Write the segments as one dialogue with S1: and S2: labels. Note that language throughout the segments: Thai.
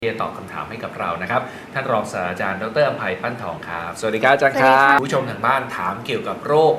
S1: ที่จะตอบคำถามให้กับเรานะครับท่านรองศาสตราจารย์ดร.อภัยปั้นทองครับสวัสดีครับอาจารย์ครับผู้ชมทางบ้านถามเกี่ยวกับโรค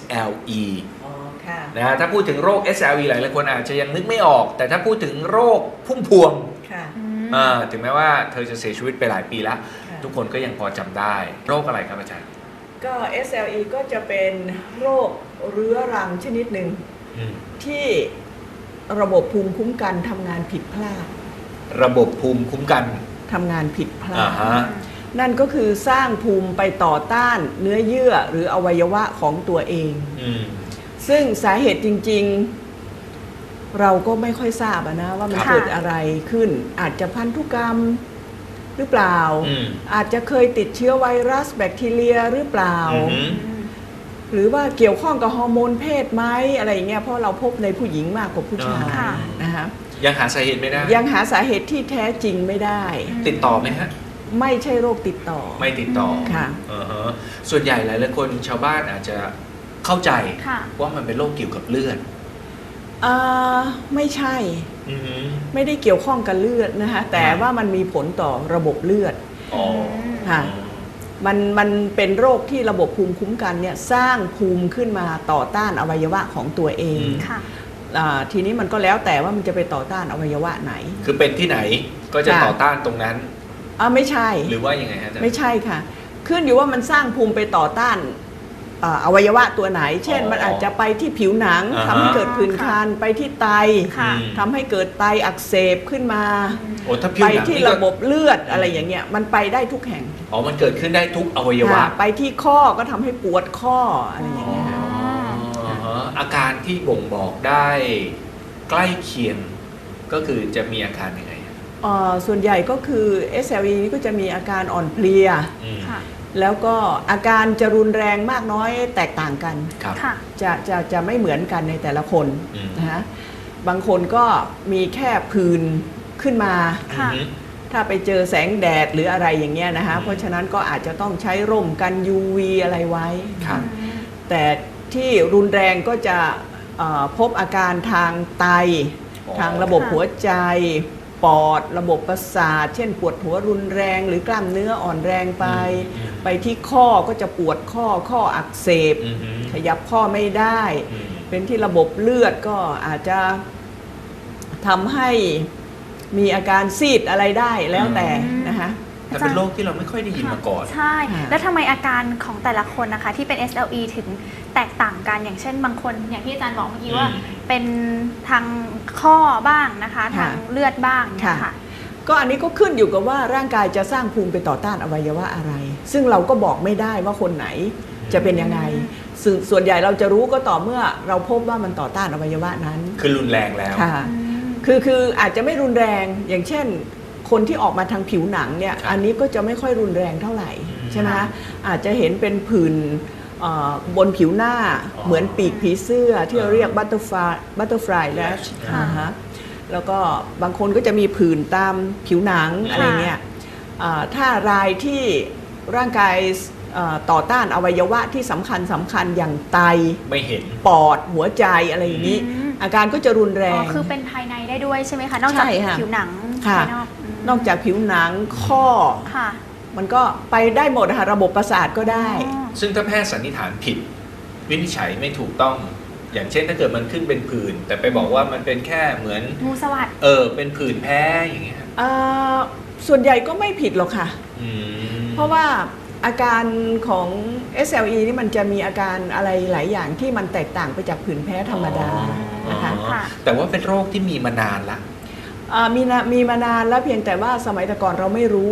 S1: SLE นะถ้าพูดถึงโรค SLE หลายคนอาจจะยังนึกไม่ออกแต่ถ้าพูดถึงโรคพุ่มพวงถึงแม้ว่าเธอจะเสียชีวิตไปหลายปีแล้วทุกคนก็ยังพอจำได้โรคอะไรครับอาจารย์
S2: ก็ SLE ก็จะเป็นโรคเรื้อรังชนิดหนึ่งที่ระบบภูมิคุ้มกันทำงานผิดพลาด
S1: ระบบภูมิคุ้มกัน
S2: ทำงานผิดพลาดนั่นก็คือสร้างภูมิไปต่อต้านเนื้อเยื่อหรืออวัยวะของตัวเองซึ่งสาเหตุจริงๆเราก็ไม่ค่อยทราบนะว่ามันเกิดอะไรขึ้นอาจจะพันธุกรรมหรือเปล่าอาจจะเคยติดเชื้อไวรัสแบคทีเรียหรือเปล่าหรือว่าเกี่ยวข้องกับฮอร์โมนเพศไหมอะไรอย่างเงี้ยเพราะเราพบในผู้หญิงมากกว่าผู้ชายนะคะ
S1: ยังหาสาเหตุไม่ได้
S2: ยังหาสาเหตุที่แท้จริงไม่ได้
S1: ติดต่อไหมฮะ
S2: ไม่ใช่โรคติดต่อ
S1: ไม่ติดต่อ
S2: ค่ะ
S1: ส่วนใหญ่หลายคนชาวบ้านอาจจะเข้าใจว่ามันเป็นโรคเกี่ยวกับเลือด
S2: ไม่ใช่ไม่ได้เกี่ยวข้องกับเลือดนะคะแต่ว่ามันมีผลต่อระบบเลือดค่ะมันเป็นโรคที่ระบบภูมิคุ้มกันเนี่ยสร้างภูมิขึ้นมาต่อต้านอวัยวะของตัวเองทีนี้มันก็แล้วแต่ว่ามันจะไปต่อต้านอวัยวะไหน
S1: คือเป็นที่ไหนก็จะต่อต้านตรงนั้น
S2: ไม่ใช่
S1: หรือว่ายังไงฮะอาจารย์
S2: ไม่ใช่ค่ะขึ้นอยู่ว่ามันสร้างภูมิไปต่อต้านอวัยวะตัวไหนเช่นมันอาจจะไปที่ผิวหนังทำให้เกิดผื่นคันไปที่ไตทำให้เกิดไตอักเสบขึ้นมาไปที่ระบบเลือดอะไรอย่างเงี้ยมันไปได้ทุกแห่ง
S1: มันเกิดขึ้นได้ทุกอวัยวะ
S2: ไปที่ข้อก็ทำให้ปวดข้ออะไรอย่างเงี้ย
S1: อาการที่บ่งบอกได้ใกล้เคียงก็คือจะมีอาการยังไง
S2: ส่วนใหญ่ก็คือ SLE นี้ก็จะมีอาการอ่อนเพลียแล้วก็อาการจะรุนแรงมากน้อยแตกต่างกันจะไม่เหมือนกันในแต่ละคนนะฮะบางคนก็มีแค่ผื่นขึ้นมาถ้าไปเจอแสงแดดหรืออะไรอย่างเงี้ยนะคะเพราะฉะนั้นก็อาจจะต้องใช้ร่มกัน UV อะไรไว้แต่ที่รุนแรงก็จะพบอาการทางไตทางระบบหัวใจปอดระบบประสาทเช่นปวดหัวรุนแรงหรือกล้ามเนื้ออ่อนแรงไปที่ข้อก็จะปวดข้ออักเสบขยับข้อไม่ได้เป็นที่ระบบเลือดก็อาจจะทำให้มีอาการซีดอะไรได้แล้วแต่นะคะ
S1: แต่เป็นโรคที่เราไม่ค่อยได้ยินมาก่อน
S3: ใช่แล้วทำไมอาการของแต่ละคนนะคะที่เป็น SLE ถึงแตกต่างกันอย่างเช่นบางคนอย่างที่อาจารย์บอกเมื่อกี้ว่าเป็นทางข้อบ้างนะคะทางเลือดบ้างนะคะ
S2: ก็อันนี้ก็ขึ้นอยู่กับว่าร่างกายจะสร้างภูมิไปต่อต้านอวัยวะอะไรซึ่งเราก็บอกไม่ได้ว่าคนไหนจะเป็นยังไงส่วนใหญ่เราจะรู้ก็ต่อเมื่อเราพบว่ามันต่อต้านอวัยวะนั้น
S1: คือรุนแรงแล้ว
S2: ค่ะคืออาจจะไม่รุนแรงอย่างเช่นคนที่ออกมาทางผิวหนังเนี่ยอันนี้ก็จะไม่ค่อยรุนแรงเท่าไหร่ใช่ไหมอาจจะเห็นเป็นผื่นบนผิวหน้าเหมือนปีกผีเสื้อที่เราเรียกบัตเตอร์ฟลายแลชแล้วก็บางคนก็จะมีผื่นตามผิวหนังอะไรเงี้ยถ้ารายที่ร่างกายต่อต้านอวัยวะที่สำคัญอย่างไต
S1: ไม่เห็น
S2: ปอดหัวใจอะไรอย่างนี้อาการก็จะรุนแรง
S3: คือเป็นภายในได้ด้วยใช่ไหมคะนอกจากผิวหนังภาย
S2: นอกจากผิวหนังข้อมันก็ไปได้หมดค่ะระบบประสาทก็ได้
S1: ซึ่งถ้าแพทย์สันนิษฐานผิดวินิจฉัยไม่ถูกต้องอย่างเช่นถ้าเกิดมันขึ้นเป็นผื่นแต่ไปบอกว่ามันเป็นแค่เหมือน
S3: งูสวัสด์
S1: เป็นผื่นแพ้อย่างเงี้ย
S2: ส่วนใหญ่ก็ไม่ผิดหรอกค่ะเพราะว่าอาการของ SLE นี่มันจะมีอาการอะไรหลายอย่างที่มันแตกต่างไปจากผื่นแพ้ธรรมดานะคะ
S1: แต่ว่าเป็นโรคที่มีมานานละ
S2: มีมานานแล้วเพียงแต่ว่าสมัยแต่ก่อนเราไม่รู้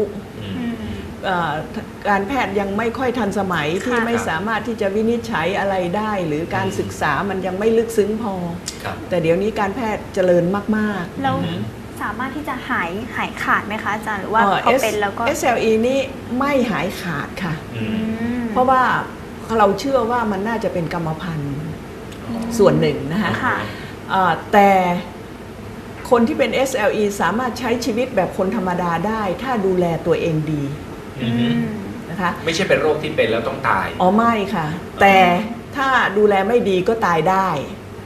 S2: การแพทย์ยังไม่ค่อยทันสมัยที่ไม่สามารถที่จะวินิจฉัยอะไรได้หรือการศึกษามันยังไม่ลึกซึ้งพอแต่เดี๋ยวนี้การแพทย์เจริญมาก
S3: ๆแล้วสามารถที่จะหายขาดไหมคะอาจารย์หรือว่าพอเป็นแล้วก็
S2: SLE นี่ไม่หายขาดค่ะเพราะว่าเราเชื่อว่ามันน่าจะเป็นกรรมพันธุ์ส่วนหนึ่งนะคะแต่คนที่เป็น SLE สามารถใช้ชีวิตแบบคนธรรมดาได้ถ้าดูแลตัวเองดีนะคะ
S1: ไม่ใช่เป็นโรคที่เป็นแล้วต้องตาย
S2: ไม่ค่ะแต่ถ้าดูแลไม่ดีก็ตายได้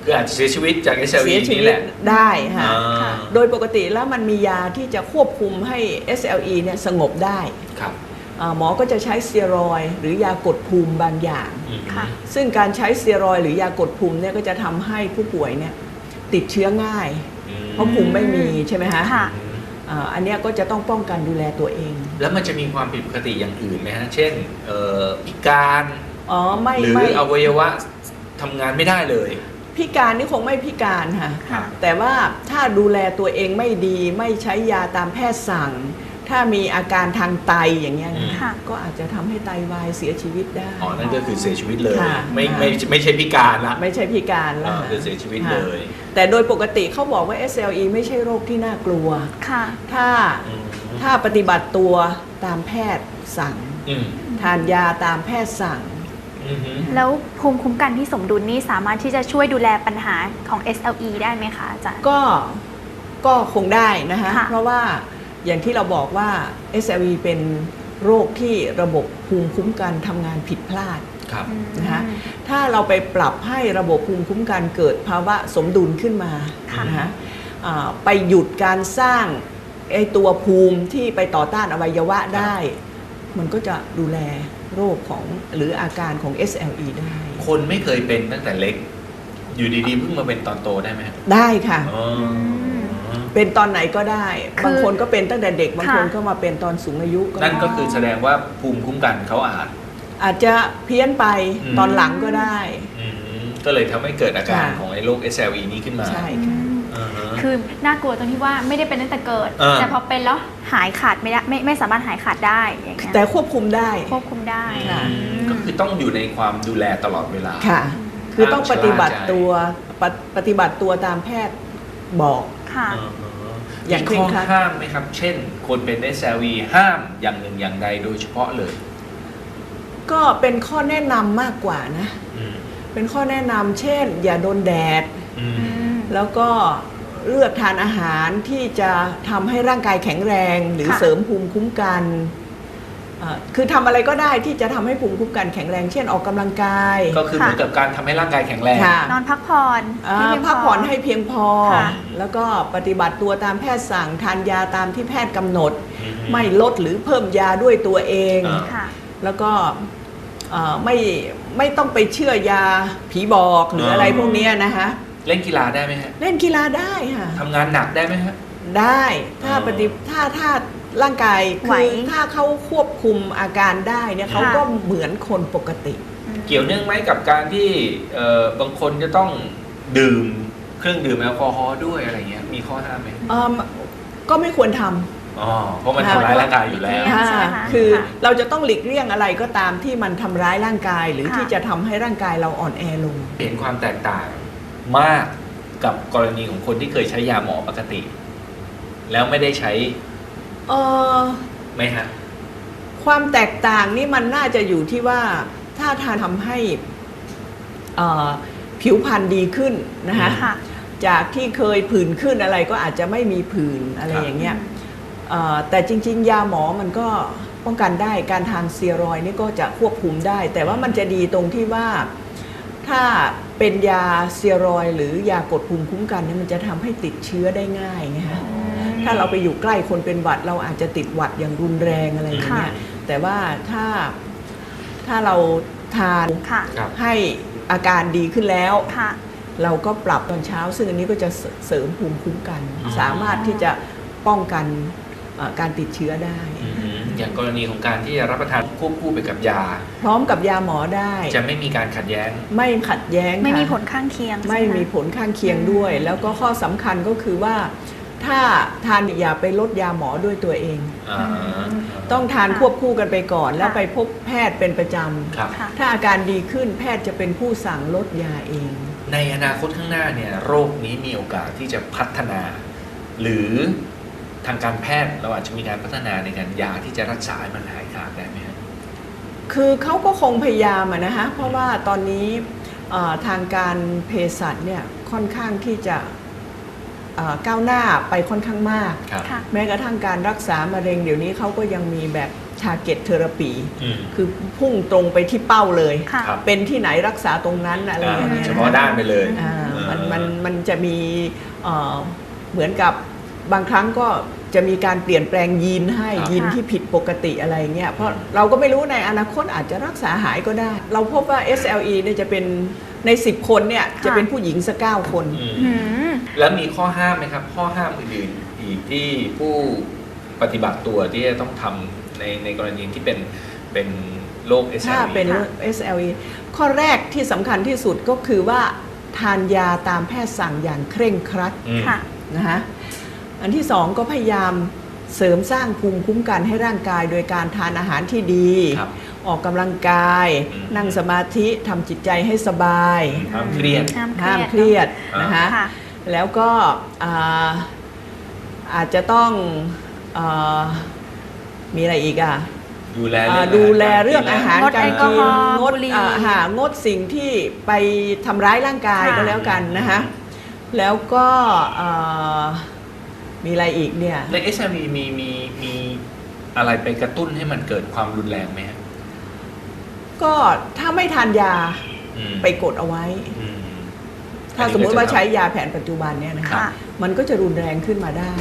S1: คืออาจจะเสียชีวิตจาก
S2: เสี
S1: SLE
S2: ยชี
S1: นี่
S2: วิ
S1: แห
S2: ต
S1: ละ
S2: ได้ค่ะ
S1: อ่า
S2: โดยปกติแล้วมันมียาที่จะควบคุมให้ SLE เนี่ยสงบได้
S1: ครับ
S2: หมอก็จะใช้สเตียรอยด์หรือยากดภูมิบางอย่าง
S1: อืม
S3: ค่ะ
S2: ซึ่งการใช้สเตียรอยด์หรือยากดภูมิเนี่ยก็จะทำให้ผู้ป่วยเนี่ยติดเชื้อง่าย เพราะภูมิไม่มีใช่ไหมฮะ
S3: ค่ะ
S2: อันเนี้ยก็จะต้องป้องกันดูแลตัวเอง
S1: แล้วมันจะมีความผิดปกติอย่างอื่นไหมฮะ เช่นพิการ
S2: อ๋อไม่
S1: หรือ
S2: ไม่
S1: อวัยวะทำงานไม่ได้เลย
S2: พิการนี่คงไม่พิการค่ะ
S3: ค่ะ
S2: แต่ว่าถ้าดูแลตัวเองไม่ดีไม่ใช้ยาตามแพทย์สั่ง ถ้ามีอาการทางไตอย่างเงี้ยนะ
S3: ค่ะ
S2: ก็อาจจะทำให้ไตวายเสียชีวิตได้
S1: อ๋อ นั่นก็คือเสียชีวิตเลย
S2: ค่ะ
S1: ไม่ใช่พิการละ
S2: ไม่ใช่พิการแล้ว
S1: คือเสียชีวิต
S2: ค่ะ
S1: เลย
S2: แต่โดยปกติเขาบอกว่า SLE ไม่ใช่โรคที่น่ากลัว
S3: ค่ะ
S2: ถ้าปฏิบัติตัวตามแพทย์สั่ง
S1: อืม
S2: ทานยาตามแพทย์สั่ง
S1: อืม
S3: แล้วภูมิคุ้มกันที่สมดุลนี่สามารถที่จะช่วยดูแลปัญหาของ SLE ได้ไหมคะอาจารย์
S2: ก็คงได้นะคะ
S3: ค่ะ
S2: เพราะว่าอย่างที่เราบอกว่า SLE เป็นโรคที่ระบบภูมิคุ้มกันทำงานผิดพลาด
S1: ครับ
S2: นะคะถ้าเราไปปรับให้ระบบภูมิคุ้มกันเกิดภาวะสมดุลขึ้นมา
S3: ค่ะ
S2: นะคะไปหยุดการสร้างไอ้ตัวภูมิที่ไปต่อต้านอวัยวะได้ มันก็จะดูแลโรคของหรืออาการของ SLE ได้
S1: คนไม่เคยเป็นตั้งแต่เล็ก อยู่ดีๆเพิ่งมาเป็นตอนโตได้ไหมครับ
S2: ได้ค่ะ
S1: อ๋อ
S2: เป็นตอนไหนก็ได้
S3: คือ
S2: บางคนก็เป็นตั้งแต่เด็ก บางคน
S3: ค่ะ
S2: ก็มาเป็นตอนสูงอายุก็
S1: นั่น
S2: ได้
S1: ก็คือแสดงว่าภูมิคุ้มกันเขา
S2: อาจจะเพี้ยนไป
S1: อืม
S2: ตอนหลังก็ได้
S1: ก็เลยทำให้เกิดอาการ
S2: ค่ะ
S1: ของไอ้โรค SLE นี้ขึ้นมา
S2: ใช่
S3: อื
S2: ค่ะ
S3: ม
S1: อ่าฮะ
S3: คือน่ากลัวตรงที่ว่าไม่ได้เป็นตั้งแต่เกิด แต่พอเป็นแล้วหายขาดไม่ได้ไม่สามารถหายขาดได้อย่างเงี้ย
S2: แต่ควบคุมได้
S3: ควบคุมได้
S2: ค่ะ
S1: ก็คือต้องอยู่ในความดูแลตลอดเวลา
S2: ค่ะ คือต้องปฏิบัติ
S1: ชะล่าใจ
S2: ตัวปฏิบัติตัวตามแพทย์บอก
S3: ค่ะ
S2: อย่าง
S1: มี
S2: เคร่
S1: ข้
S2: ง
S1: อ
S2: ครัด
S1: ห้ามไหมครับ เช่น คนเป็น SLE ห้ามอย่างหนึ่งอย่างใดโดยเฉพาะเลย
S2: ก็เป็นข้อแนะนำมากกว่านะ
S1: อืม
S2: เป็นข้อแนะนำเช่น อย่าโดนแดด
S1: อืม
S3: อืม
S2: แล้วก็เลือกทานอาหารที่จะทำให้ร่างกายแข็งแรง หรือ
S3: ค่ะ
S2: เสริมภูมิคุ้มกันคือทำอะไรก็ได้ที่จะทำให้ภูมิคุ้มกันแข็งแรง เช่นออกกำลังกาย
S1: ก็คือเหมือนกับการทำให้ร่างกายแข็งแรง
S2: ค่ะ
S3: นอนพักผ่อนให้เพียง
S2: พักผ่อนให้เพียงพอ
S3: ค่ะ
S2: แล้วก็ปฏิบัติตัวตามแพทย์สั่งทานยาตามที่แพทย์กำหนด
S1: อืม
S2: ไม่ลดหรือเพิ่มยาด้วยตัวเอง
S1: อ่า
S3: ค่ะ
S2: แล้วก็ไม่ต้องไปเชื่อยาผีบอกหรืออะไรพวกเนี้ยนะคะ
S1: เล่นกีฬาได้ไหมฮะ
S2: เล่นกีฬาได้ค่ะ
S1: ทำงานหนักได้ไหมฮะ
S2: ได้ถ้า
S1: อ๋อ
S2: ถ้าร่างกาย
S3: ไหว
S2: คือถ้าเขาควบคุมอาการได้เนี่ย
S3: ค่ะ
S2: เขาก็เหมือนคนปกติ
S1: เกี่ยวเนื่องไหมกับการที่บางคนจะต้องดื่มเครื่องดื่มแอลกอฮอล์ด้วยอะไรเงี้ยมีข้อห้ามไหม
S2: ก็ไม่ควรท
S1: อ๋อเพราะมันทำร้ายร่างกายอยู่แล้ว
S3: ค่ะ
S2: ำ
S3: ใช่ไหมคะ
S2: คือ
S3: ค่ะ
S2: เราจะต้องหลีกเลี่ยงอะไรก็ตามที่มันทำร้ายร่างกาย หรือ
S3: ค่ะ
S2: ที่จะทำให้ร่างกายเราอ่อนแอลง
S1: เห็นความแตกต่างมากกับกรณีของคนที่เคยใช้ยาหมอปกติ แล้วไม่ได้ใช้
S2: เอ่อ
S1: ไหมฮะ
S2: ความแตกต่างนี่มันน่าจะอยู่ที่ว่าถ้าทานทำให้ผิวพรรณดีขึ้นนะคะ
S3: ค่ะ
S2: จากที่เคยผื่นขึ้นอะไรก็อาจจะไม่มีผื่นอะไร
S1: ครับ
S2: อย่างเงี้ยแต่จริงๆ ยาหมอมันก็ป้องกันได้การทานสเตียรอยด์นี่ก็จะควบคุมได้ แต่ว่ามันจะดีตรงที่ว่าถ้าเป็นยาสเตียรอยด์หรือยากดภูมิคุ้มกันเนี่ยมันจะทำให้ติดเชื้อได้ง่ายไงฮะ ถ้าเราไปอยู่ใกล้คนเป็นหวัดเราอาจจะติดหวัดอย่างรุนแรงอะไรอย่างเงี้ย
S3: ค่ะ
S2: แต่ว่าถ้าเราทาน
S3: ค่ะ
S1: ครับ
S2: ให้อาการดีขึ้นแล้ว
S3: ค่ะ
S2: เราก็ปรับตอนเช้า ซึ่งอันนี้ก็จะเสริมภูมิคุ้มกัน
S1: อ๋อ
S2: สามารถที่จะป้องกันการติดเชื้อได้
S1: อย่างกรณีของการที่จะรับประทานควบคู่ไปกับยา
S2: พร้อมกับยาหมอได้
S1: จะไม่มีการขัดแย้ง
S2: ไม่ขัดแย้ง
S3: ไม่มี
S2: ค่ะ
S3: ผลข้างเคียง
S2: ไม่
S3: ใช่ห
S2: มีผลข้างเคียงด้วย แล้วก็ข้อสำคัญก็คือว่า ถ้าทานอย่าไปลดยาหมอด้วยตัวเอง ต้องทานควบคู่กันไปก่อน แล้วไปพบแพทย์เป็นประจ
S1: ครับ
S3: ค่ะ
S2: ำถ้าอาการดีขึ้นแพทย์จะเป็นผู้สั่งลดยาเอง
S1: ในอนาคตข้างหน้าเนี่ยโรคนี้มีโอกาสที่จะพัฒนา หรือทางการแพทย์เราอาจจะมีการพัฒนาในการยาที่จะรักษาให้มันหายขาดได้ไหมครับ
S2: คือเขาก็คงพยายามอะนะคะเพราะว่าตอนนี้ทางการเภสัชเนี่ยค่อนข้างที่จะก้าวหน้าไปค่อนข้างมาก
S1: ครับ
S3: ค่ะ
S2: แม้กระทั่งการรักษามะเร็งเดี๋ยวนี้เขาก็ยังมีแบบ target therapy คือพุ่งตรงไปที่เป้าเลย
S3: ค่ะ
S1: ครับ
S2: เป็นที่ไหนรักษาตรงนั้นอะไรอย่างเงี้ย
S1: เฉพาะด้านไปเลย
S2: อ่า
S1: เออ
S2: มันจะมีเหมือนกับบางครั้งก็จะมีการเปลี่ยนแปลงยีนให้ยีนที่ผิดปกติอะไรเงี้ยเพราะเราก็ไม่รู้ในอนาคตอาจจะรักษาหายก็ได้ เราพบว่า SLE เนี่ยจะเป็นใน10 คนเนี่ยจะเป็นผู้หญิงสัก9 คน
S1: แล้วมีข้อห้ามไหมครับข้อห้ามอื่นๆอีกที่ผู้ปฏิบัติตัวที่จะต้องทำในกรณีที่เป็นโรค SLE
S2: ถ้าเป็น SLE ข้อแรกที่สำคัญที่สุดก็คือว่าทานยาตามแพทย์สั่งอย่างเคร่งครัดนะฮะอันที่สองก็พยายามเสริมสร้างภูมิคุ้มกันให้ร่างกายโดยการทานอาหารที่ดีออกกำลังกายนั่งสมาธิทำจิตใจให้สบาย
S1: ห้ามเครียด
S2: นะคะแล้วก็อาจจะต้องมีอะไรอีกอ่ะดูแลเรื่องอาหารการกินงดสิ่งที่ไปทำร้ายร่างกายก็แล้วกันนะคะแล้วก็มีอะไรอีกเนี่ย
S1: ใน SLE มีอะไรไปกระตุ้นให้มันเกิดความรุนแรงไหม
S2: ก็ถ้าไม่ทานยาไปกดเอาไว้ถ้าสมมติว่าใช้ยาแผนปัจจุบันเนี่ยนะคะมันก็จะรุนแรงขึ้นมาได้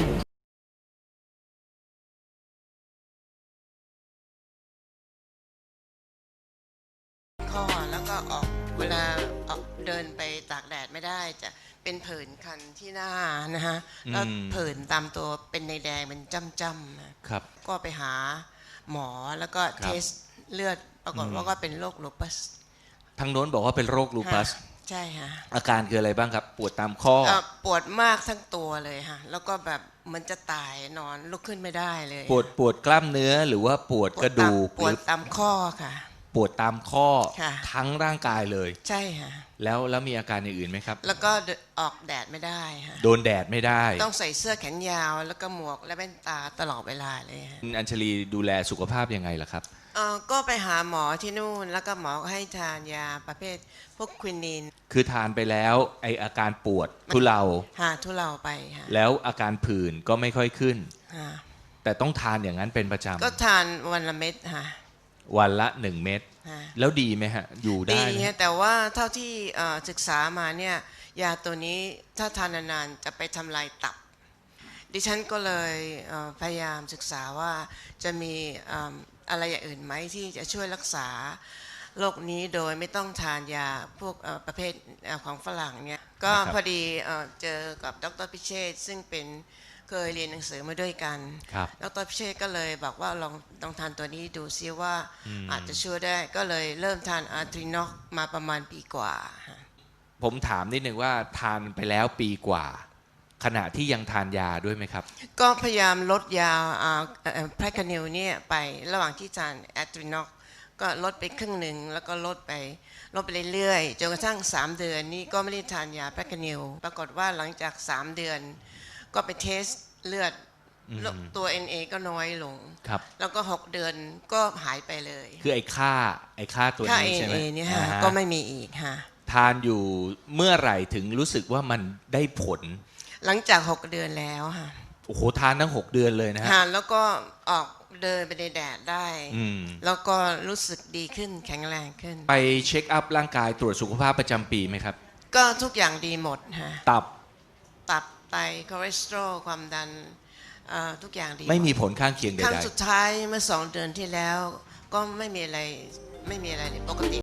S4: ข้อแล้วก็ออกเวลาออกเดินไปตากแดดไม่ได้จะเป็นผื่นคันที่หน้านะฮะแล้วผื่นตามตัวเป็นในแดงเป็นจ้ำๆนะครับก็ไปหาหมอแล้วก็เทสเลือดปรากฏว่าก็เป็นโรคลูปัส
S5: ทางโน้นบอกว่าเป็นโรคลูปัส
S4: ใช่ฮะ
S5: อาการคืออะไรบ้างครับปวดตามข้อ
S4: ปวดมากทั้งตัวเลยฮะแล้วก็แบบมันจะตายนอนลุกขึ้นไม่ได้เลย
S5: ปวดกล้ามเนื้อหรือว่าปวดกระดูก
S4: ปวดตามข้อค่ะ
S5: ปวดตามข้อทั้งร่างกายเลย
S4: ใช่ฮะ
S5: แล้วมีอาการอย่างอื่นไหมครับ
S4: แล้วก็ออกแดดไม่ได้ฮะ
S5: โดนแดดไม่ได้
S4: ต้องใส่เสื้อแขนยาวแล้วก็หมวกและแว่นตาตลอดเวลาเลย
S5: อัญชลีดูแลสุขภาพยังไงล่ะครับ
S4: ก็ไปหาหมอที่นู่นแล้วก็หมอก็ให้ทานยาประเภทพวกควินิน
S5: คือทานไปแล้วไออาการปวดทุเลา
S4: ทุเลาไป
S5: แล้วอาการผื่นก็ไม่ค่อยขึ้นแต่ต้องทานอย่างนั้นเป็นประจำ
S4: ก็ทานวันละเม็ด
S5: วันละ1 เม็ดแล้วดีไหมฮะอยู่ได้
S4: ดีแต่ว่าเท่าที่ศึกษามาเนี่ยยาตัวนี้ถ้าทานนานๆจะไปทำลายตับดิฉันก็เลยพยายามศึกษาว่าจะมีอะไรอย่างอื่นไหมที่จะช่วยรักษาโรคนี้โดยไม่ต้องทานยาพวกประเภทของฝรั่งเนี่ยก็พอดีเจอกับดร.พิเชษซึ่งเป็นเคยเรียนหนังสือมาด้วยกันดร.พิเชษก็เลยบอกว่าลองทานตัวนี้ดูซิว่าอาจจะช่วยได้ก็เลยเริ่มทานอาร์ทรินอกมาประมาณปีกว่า
S5: ผมถามนิดนึงว่าทานไปแล้วปีกว่าขณะที่ยังทานยาด้วยไหมครับ
S4: ก็พยายามลดยาแพรคานิลเนี่ยไประหว่างที่ทานแอตรินอกก็ลดไปครึ่งหนึ่งแล้วก็ลดไปเรื่อยๆจนกระทั่ง3 เดือนนี้ก็ไม่ได้ทานยาแพรคานิลปรากฏว่าหลังจาก3 เดือนก็ไปเทสเลือดตัว NA ก็น้อยลงแล้วก็6 เดือนก็หายไปเลย
S5: คือไอ้ค่าตัวนี้ใช่ไหม
S4: ค่า NA เนี่ยก็ไม่มีอีก
S5: ทานอยู่เมื่อไหร่ถึงรู้สึกว่ามันได้ผล
S4: หลังจาก6 เดือนแล้ว
S5: โอ้โหทานทั้ง6 เดือนเลยนะฮะ
S4: แล้วก็ออกเดินไปในแดดได้แล้วก็รู้สึกดีขึ้นแข็งแรงขึ้น
S5: ไปเช็คอัพร่างกายตรวจสุขภาพประจำปีไหมครับ
S4: ก็ทุกอย่างดีหมด
S5: ตับ
S4: ไตคอเลสเตอรอลความดันทุกอย่างดี
S5: ไม่มีผลข้างเคียงใดๆ
S4: ครั้งสุดท้ายเมื่อ2 เดือนที่แล้วก็ไม่มีอะไรเลยปกติ